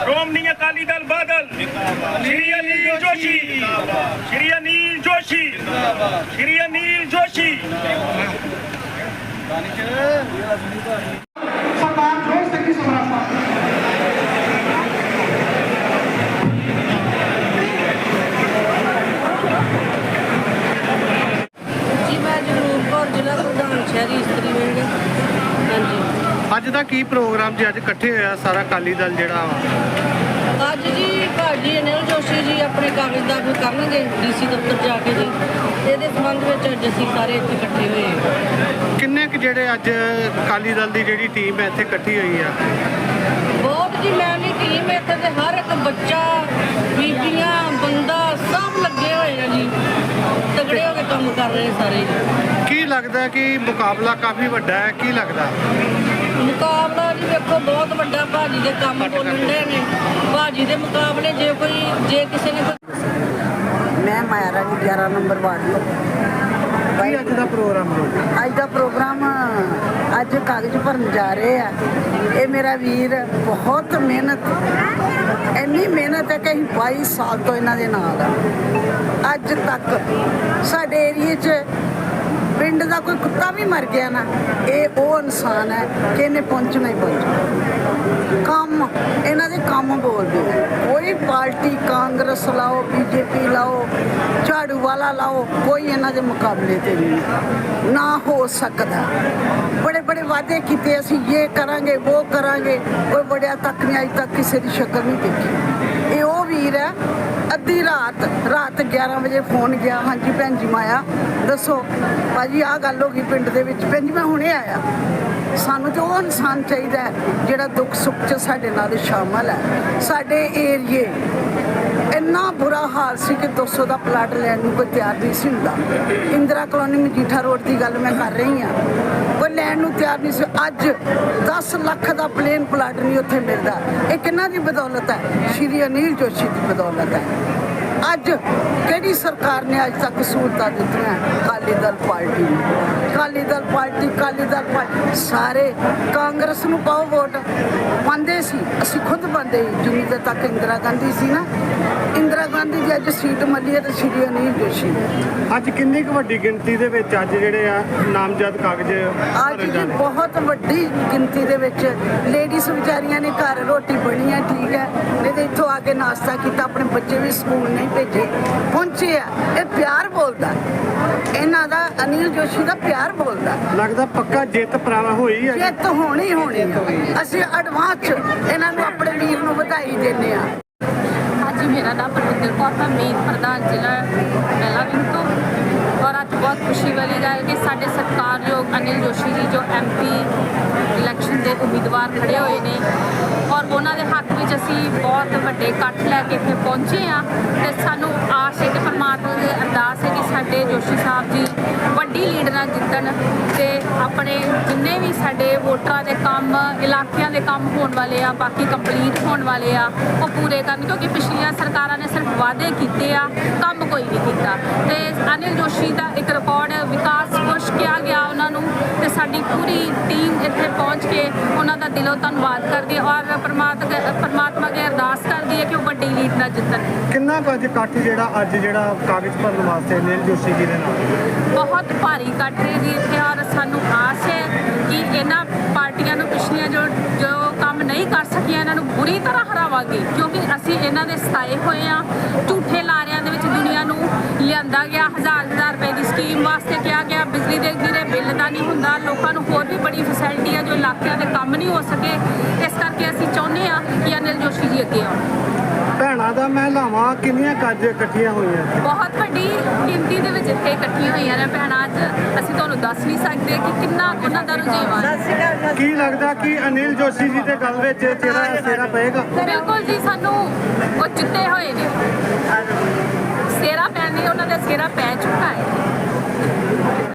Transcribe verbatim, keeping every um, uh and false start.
श्रोमणी अकाली दल बादल, श्री अनिल जोशी, श्री अनिल जोशी, श्री अनिल जोशी। सरदार जोश सिंह समरासा। जी मैं जरूर कौर जिला प्रधान शहरी इस्त्री विंग। हाँ जी ਅੱਜ ਦਾ ਕੀ ਪ੍ਰੋਗਰਾਮ ਜੀ? ਅੱਜ ਇਕੱਠੇ ਹੋਇਆ ਸਾਰਾ ਅਕਾਲੀ ਦਲ ਜਿਹੜਾ ਵਾ ਅੱਜ ਜੀ ਭਾਜੀ ਅਨਿਲ ਜੋਸ਼ੀ ਜੀ ਆਪਣੇ ਕਾਗਜ਼ ਦਾਖਲ ਕਰਨਗੇ ਡੀਸੀ ਦਫ਼ਤਰ ਜਾ ਕੇ ਜੀ। ਇਹਦੇ ਸੰਬੰਧ ਵਿੱਚ ਅੱਜ ਅਸੀਂ ਸਾਰੇ ਇੱਥੇ ਇਕੱਠੇ ਹੋਏ ਹਾਂ। ਕਿੰਨੇ ਕੁ ਜਿਹੜੇ ਅੱਜ ਅਕਾਲੀ ਦਲ ਦੀ ਜਿਹੜੀ ਟੀਮ ਹੈ ਇੱਥੇ ਇਕੱਠੀ ਹੋਈ ਆ? ਬਹੁਤ ਜੀ ਮੈਂ ਵੀ ਟੀਮ ਇੱਥੇ ਤੇ ਹਰ ਇੱਕ ਬੱਚਾ, ਬੀਬੀਆਂ, ਬੰਦਾ ਸਭ ਲੱਗੇ ਹੋਏ ਆ ਜੀ, ਤਗੜੇ ਹੋ ਕੇ ਕੰਮ ਕਰ ਰਹੇ ਸਾਰੇ। ਕੀ ਲੱਗਦਾ ਕਿ ਮੁਕਾਬਲਾ ਕਾਫੀ ਵੱਡਾ ਹੈ? ਕੀ ਲੱਗਦਾ ਮੁਕਾਬਲਾ ਜੀ ਵੇਖੋ ਬਹੁਤ ਵੱਡਾ, ਭਾਜੀ ਦੇ ਕੰਮ ਬੋਲਣ ਦੇ ਨੇ। ਭਾਜੀ ਦੇ ਮੁਕਾਬਲੇ ਜੇ ਕੋਈ ਜੇ ਕਿਸੇ ਨੇ ਕੋਈ ਮੈਂ ਮਾਇਆ ਰਾਣੀ ਗਿਆਰਾਂ ਨੰਬਰ ਵਾਰਡ ਤੋਂ। ਕੀ ਅੱਜ ਦਾ ਪ੍ਰੋਗਰਾਮ ਹੈ? ਅੱਜ ਦਾ ਪ੍ਰੋਗਰਾਮ ਅੱਜ ਕਾਗਜ਼ ਭਰਨ ਜਾ ਰਹੇ ਆ। ਇਹ ਮੇਰਾ ਵੀਰ ਬਹੁਤ ਮਿਹਨਤ, ਇੰਨੀ ਮਿਹਨਤ ਹੈ ਕਿ ਅਸੀਂ ਬਾਈ ਸਾਲ ਤੋਂ ਇਹਨਾਂ ਦੇ ਨਾਲ ਆ। ਅੱਜ ਤੱਕ ਸਾਡੇ ਏਰੀਏ 'ਚ ਪਿੰਡ ਦਾ ਕੋਈ ਕੁੱਤਾ ਵੀ ਮਰ ਗਿਆ ਨਾ, ਇਹ ਉਹ ਇਨਸਾਨ ਹੈ ਕਿ ਇਹਨੇ ਪਹੁੰਚਣਾ ਹੀ ਪਹੁੰਚਣਾ। ਕੰਮ ਇਹਨਾਂ ਦੇ ਕੰਮ ਬੋਲਦੇ ਆ। ਕੋਈ ਪਾਰਟੀ ਕਾਂਗਰਸ ਲਾਓ, ਬੀਜੇਪੀ ਲਾਓ, ਝਾੜੂ ਵਾਲਾ ਲਾਓ, ਕੋਈ ਇਹਨਾਂ ਦੇ ਮੁਕਾਬਲੇ ਤੇ ਨਹੀਂ ਨਾ ਹੋ ਸਕਦਾ। ਬੜੇ ਬੜੇ ਵਾਅਦੇ ਕੀਤੇ ਅਸੀਂ ਇਹ ਕਰਾਂਗੇ ਉਹ ਕਰਾਂਗੇ, ਕੋਈ ਬੜਿਆ ਤੱਕ ਨਹੀਂ ਅੱਜ ਤੱਕ ਕਿਸੇ ਦੀ ਸ਼ਕਲ ਨਹੀਂ ਦੇਖੀ। ਇਹ ਉਹ ਵੀਰ ਹੈ। ਅੱਧੀ ਰਾਤ ਰਾਤ ਗਿਆਰਾਂ ਵਜੇ ਫੋਨ ਗਿਆ, ਹਾਂਜੀ ਭੈਣ ਜੀ ਮਾਇਆ ਦੱਸੋ ਭਾਜੀ ਆਹ ਗੱਲ ਹੋ ਗਈ ਪਿੰਡ ਦੇ ਵਿੱਚ। ਭੈਣ ਜੀ ਮੈਂ ਹੁਣੇ ਆਇਆ। ਸਾਨੂੰ ਤੇ ਉਹ ਇਨਸਾਨ ਚਾਹੀਦਾ ਹੈ ਜਿਹੜਾ ਦੁੱਖ ਸੁੱਖ 'ਚ ਸਾਡੇ ਨਾਲ ਸ਼ਾਮਲ ਹੈ। ਸਾਡੇ ਏਰੀਏ ਇੰਨਾ ਬੁਰਾ ਹਾਲ ਸੀ ਕਿ ਦੋ ਸੌ ਦਾ ਪਲਾਟ ਲੈਣ ਨੂੰ ਕੋਈ ਤਿਆਰ ਨਹੀਂ ਸੀ ਹੁੰਦਾ। ਇੰਦਰਾ ਕਲੋਨੀ ਮਜੀਠਾ ਰੋਡ ਦੀ ਗੱਲ ਮੈਂ ਕਰ ਰਹੀ ਹਾਂ, ਕੋਈ ਲੈਣ ਨੂੰ ਤਿਆਰ ਨਹੀਂ ਸੀ। ਅੱਜ ਦਸ ਲੱਖ ਦਾ ਪਲੇਨ ਪਲਾਟ ਨਹੀਂ ਉੱਥੇ ਮਿਲਦਾ। ਇਹ ਕਿਹਨਾਂ ਦੀ ਬਦੌਲਤ ਹੈ? ਸ਼੍ਰੀ ਅਨਿਲ ਜੋਸ਼ੀ ਦੀ ਬਦੌਲਤ ਹੈ। ਅੱਜ ਕਿਹੜੀ ਸਰਕਾਰ ਨੇ ਅੱਜ ਤੱਕ ਸਹੂਲਤਾਂ ਦਿੱਤੀਆਂ? ਅਕਾਲੀ ਦਲ ਪਾਰਟੀ ਨੂੰ। ਅਕਾਲੀ ਦਲ ਪਾਰਟੀ ਅਕਾਲੀ ਦਲ ਪਾਰਟੀ ਸਾਰੇ ਕਾਂਗਰਸ ਨੂੰ ਪਾਓ ਵੋਟ ਪਾਉਂਦੇ ਸੀ, ਅਸੀਂ ਖੁਦ ਪਾਉਂਦੇ ਜਿੰਨੀ ਦੇਰ ਤੱਕ ਇੰਦਰਾ ਗਾਂਧੀ ਸੀ ਨਾ। ਇੰਦਰਾ ਗਾਂਧੀ ਦੀ ਅੱਜ ਸੀਟ ਮਿਲੀ ਹੈ ਤੇ ਸ਼੍ਰੀ ਅਨਿਲ ਜੋਸ਼ੀ। ਅੱਜ ਕਿੰਨੀ ਕੁ ਵੱਡੀ ਗਿਣਤੀ ਦੇ ਵਿੱਚ ਅੱਜ ਜਿਹੜੇ ਆ ਨਾਮਜ਼ਦ ਕਾਗਜ਼ ਅੱਜ ਜੀ ਬਹੁਤ ਵੱਡੀ ਗਿਣਤੀ ਦੇ ਵਿੱਚ ਲੇਡੀਜ਼ ਵਿਚਾਰੀਆਂ ਨੇ ਘਰ ਰੋਟੀ ਬਣੀ ਹੈ, ਠੀਕ ਹੈ, ਨਹੀਂ ਤੇ ਇੱਥੋਂ ਆ ਕੇ ਨਾਸ਼ਤਾ ਕੀਤਾ, ਆਪਣੇ ਬੱਚੇ ਵੀ ਸਕੂਲ ਨਹੀਂ ਭੇਜੇ, ਪਹੁੰਚੇ ਆ। ਇਹ ਪਿਆਰ ਬੋਲਦਾ ਇਹਨਾਂ ਦਾ, ਅਨਿਲ ਜੋਸ਼ੀ ਦਾ ਪਿਆਰ ਬੋਲਦਾ। ਲੱਗਦਾ ਪੱਕਾ ਜਿੱਤ ਪ੍ਰਾਪਤ ਹੋਈ ਹੈ। ਜਿੱਤ ਹੋਣੀ ਹੋਣੀ ਆ। ਅਸੀਂ ਐਡਵਾਂਸ 'ਚ ਇਹਨਾਂ ਨੂੰ ਆਪਣੇ ਵੀਰ ਨੂੰ ਵਧਾਈ ਦਿੰਦੇ ਆ। ਹਾਂਜੀ ਮੇਰਾ ਨਾਮ ਪਰਵਿੰਦਰ ਕੌਰ ਹੈ, ਮੇਨ ਪ੍ਰਧਾਨ ਜ਼ਿਲ੍ਹਾ ਪਹਿਲਾ ਵਿੰਗ ਤੋਂ। ਔਰ ਅੱਜ ਬਹੁਤ ਖੁਸ਼ੀ ਵਾਲੀ ਗੱਲ ਕਿ ਸਾਡੇ ਸਤਿਕਾਰਯੋਗ ਅਨਿਲ ਜੋਸ਼ੀ ਜੀ ਜੋ ਐਮ ਪੀ ਇਲੈਕਸ਼ਨ ਦੇ ਉਮੀਦਵਾਰ ਖੜੇ ਹੋਏ ਨੇ ਔਰ ਉਹਨਾਂ ਦੇ ਹੱਕ ਵਿੱਚ ਅਸੀਂ ਬਹੁਤ ਵੱਡੇ ਇਕੱਠ ਲੈ ਕੇ ਇੱਥੇ ਪਹੁੰਚੇ ਹਾਂ। ਅਤੇ ਸਾਨੂੰ ਆਸ ਹੈ ਕਿ ਪਰਮਾਤਮਾ ਦੀ ਅਰਦਾਸ ਹੈ ਕਿ ਸਾਡੇ ਜੋਸ਼ੀ ਸਾਹਿਬ ਜੀ ਵੱਡੀ ਲੀਡ ਨਾਲ ਜਿੱਤਣ ਅਤੇ ਆਪਣੇ ਜਿੰਨੇ ਵੀ ਸਾਡੇ ਵੋਟਰਾਂ ਦੇ ਕੰਮ, ਇਲਾਕਿਆਂ ਦੇ ਕੰਮ ਹੋਣ ਵਾਲੇ ਆ, ਬਾਕੀ ਕੰਪਲੀਟ ਹੋਣ ਵਾਲੇ ਆ, ਉਹ ਪੂਰੇ ਕਰਨ। ਕਿਉਂਕਿ ਪਿਛਲੀਆਂ ਸਰਕਾਰਾਂ ਨੇ ਸਿਰਫ ਵਾਅਦੇ ਕੀਤੇ ਆ, ਕੰਮ ਕੋਈ ਨਹੀਂ ਕੀਤਾ। ਅਤੇ ਅਨਿਲ ਜੋਸ਼ੀ ਦਾ ਇੱਕ ਰਿਕਾਰਡ ਵਿਕਾਸ ਪੁਸ਼ ਕਿਹਾ ਗਿਆ ਉਹਨਾਂ ਨੂੰ, ਅਤੇ ਸਾਡੀ ਪੂਰੀ ਟੀਮ ਇੱਥੇ ਪਹੁੰਚ ਕੇ ਉਹਨਾਂ ਦਾ ਦਿਲੋਂ ਧੰਨਵਾਦ ਕਰਦੀ ਹੈ ਔਰ ਪਰਮਾਤਮਾ ਪਰਮਾਤਮਾ ਅੱਗੇ ਅਰਦਾਸ ਕਰਦੀ ਹੈ ਕਿ ਉਹ ਵੱਡੀ ਲੀਡ ਨਾਲ ਜਿੱਤਣ। ਕਿੰਨਾ ਕੁ ਅੱਜ ਇਕੱਠ ਜਿਹੜਾ ਅੱਜ ਜਿਹੜਾ ਕਾਗਜ਼ ਭਰਨ ਵਾਸਤੇ ਅਨਿਲ ਜੋਸ਼ੀ ਜੀ ਦੇ ਨਾਲ? ਬਹੁਤ ਭਾਰੀ ਇਕੱਠ ਹੈ ਜੀ ਇੱਥੇ ਔਰ ਸਾਨੂੰ ਆਸ ਹੈ ਕਿ ਇਹਨਾਂ ਪਾਰਟੀਆਂ ਨੂੰ ਪਿਛਲੀਆਂ ਜੋ ਜੋ ਕੰਮ ਨਹੀਂ ਕਰ ਸਕੀਆਂ ਇਹਨਾਂ ਨੂੰ ਬੁਰੀ ਤਰ੍ਹਾਂ ਹਰਾਵਾਂਗੇ। ਕਿਉਂਕਿ ਅਸੀਂ ਇਹਨਾਂ ਦੇ ਸਤਾਏ ਹੋਏ ਹਾਂ। ਝੂਠੇ ਲਾਰਿਆਂ ਦੇ ਵਿੱਚ ਦੁਨੀਆ ਨੂੰ ਲਿਆਂਦਾ ਗਿਆ। ਹਜ਼ਾਰ ਹਜ਼ਾਰ ਰੁਪਏ ਦੀ ਸਕੀਮ ਵਾਸਤੇ ਕਿਹਾ ਗਿਆ, ਬਿਜਲੀ ਦੇ ਗਿਰੇ ਬਿੱਲ ਦਾ ਨਹੀਂ ਹੁੰਦਾ, ਲੋਕਾਂ ਨੂੰ ਹੋਰ ਵੀ ਬੜੀ ਫੈਸਿਲਿਟੀ ਹੈ ਜੋ ਇਲਾਕਿਆਂ ਦੇ ਕੰਮ ਨਹੀਂ ਹੋ ਸਕੇ। ਇਸ ਕਰਕੇ ਅਸੀਂ ਚਾਹੁੰਦੇ ਹਾਂ ਕਿ ਅਨਿਲ ਜੋਸ਼ੀ ਜੀ ਅੱਗੇ ਆਉਣ। ਭੈਣਾਂ ਦਾ ਮਹਿਲਾਵਾਂ ਕਿੰਨੀਆਂ ਕੱਜ ਇਕੱਠੀਆਂ ਹੋਈਆਂ? ਬਹੁਤ ਵੱਡੀ ਗਿਣਤੀ ਦੇ ਵਿੱਚ ਇੱਥੇ ਇਕੱਠੀਆਂ ਹੋਈਆਂ ਨੇ ਭੈਣਾਂ। ਅੱਜ ਅਸੀਂ ਤੁਹਾਨੂੰ ਦੱਸ ਨਹੀਂ ਸਕਦੇ ਕਿ ਕਿੰਨਾ ਉਹਨਾਂ ਦਾ ਰੁਝੇਵਾਂ ਹੈ। ਕੀ ਲੱਗਦਾ ਕਿ ਅਨਿਲ ਜੋਸ਼ੀ ਜੀ ਦੇ ਗੱਲ ਵਿੱਚ ਤੇਰਾ ਸੇਰਾ ਪਏਗਾ? ਬਿਲਕੁਲ ਜੀ, ਸਾਨੂੰ ਉਹ ਜਿੱਤੇ ਹੋਏ ਨੇ, ਸੇਰਾ ਪੈਣ ਦੀ ਉਹਨਾਂ ਦਾ ਸੇਰਾ ਪੈ ਚੁੱਕਾ ਹੈ।